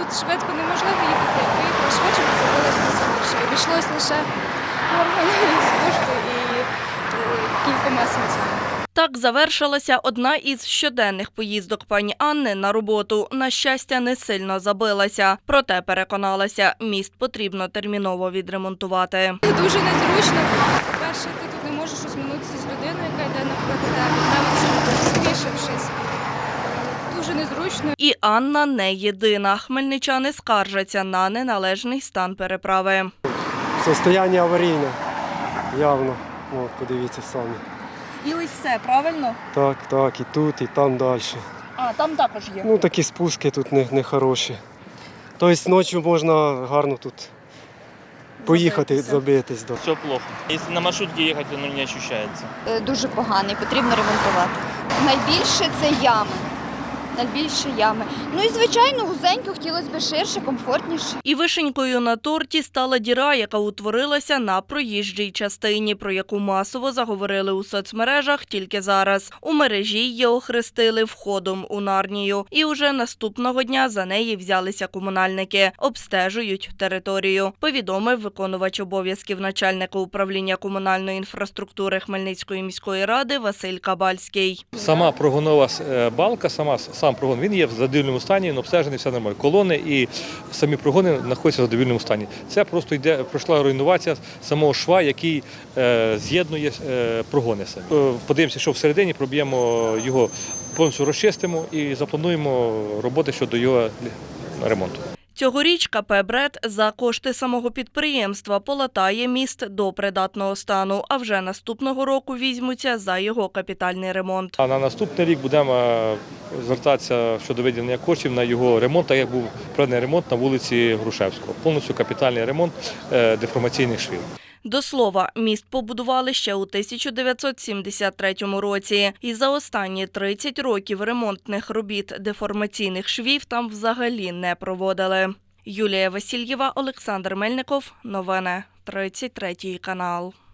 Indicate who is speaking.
Speaker 1: швидко неможливо їхати. Я поїхала швидше, бо забилася більше. Обійшлось лише органи з кошти і кількома сенцями.
Speaker 2: Так завершилася одна із щоденних поїздок пані Анни на роботу. На щастя, не сильно забилася. Проте переконалася, міст потрібно терміново відремонтувати.
Speaker 1: Дуже незручно. По-перше, ти тут не можеш розминутися з людиною, яка йде навпроти тебе. Навіть спішившись. Дуже незручно.
Speaker 2: І Анна не єдина. Хмельничани скаржаться на неналежний стан переправи.
Speaker 3: Состояння аварійне, явно. О, подивіться самі.
Speaker 2: І ось все, правильно?
Speaker 3: Так, і тут, і там далі.
Speaker 2: А, там також є.
Speaker 3: Ну, такі спуски тут не хороші. Тобто ночі можна гарно тут поїхати, забитись. Да.
Speaker 4: Все плохо. Если на маршрутке ехать, оно не ощущается.
Speaker 5: Дуже поганий, потрібно ремонтувати. Найбільше це ями. Найбільше ями. Ну і, звичайно, вузенько, хотілося б ширше, комфортніше.
Speaker 2: І вишенькою на торті стала діра, яка утворилася на проїжджій частині, про яку масово заговорили у соцмережах тільки зараз. У мережі її охрестили входом у Нарнію. І уже наступного дня за неї взялися комунальники. Обстежують територію, повідомив виконувач обов'язків начальника управління комунальної інфраструктури Хмельницької міської ради Василь Кабальський.
Speaker 6: Сама прогонова балка, сам прогон, він є в задовільному стані, він обстежений, все нормально. Колони і самі прогони знаходяться в задовільному стані. Це просто пройшла руйнувація самого шва, який з'єднує прогони самі. Подивимося, що всередині, проб'ємо його, повністю розчистимо і заплануємо роботи щодо його ремонту.
Speaker 2: Цьогоріч КП «Бред» за кошти самого підприємства полатає міст до придатного стану, а вже наступного року візьмуться за його капітальний ремонт.
Speaker 6: А на наступний рік будемо звертатися щодо виділення коштів на його ремонт, так як був проведений ремонт на вулиці Грушевського. Повністю капітальний ремонт деформаційних швів.
Speaker 2: До слова, міст побудували ще у 1973 році. І за останні 30 років ремонтних робіт деформаційних швів там взагалі не проводили. Юлія Васильєва, Олександр Мельников. Новини. 33 канал.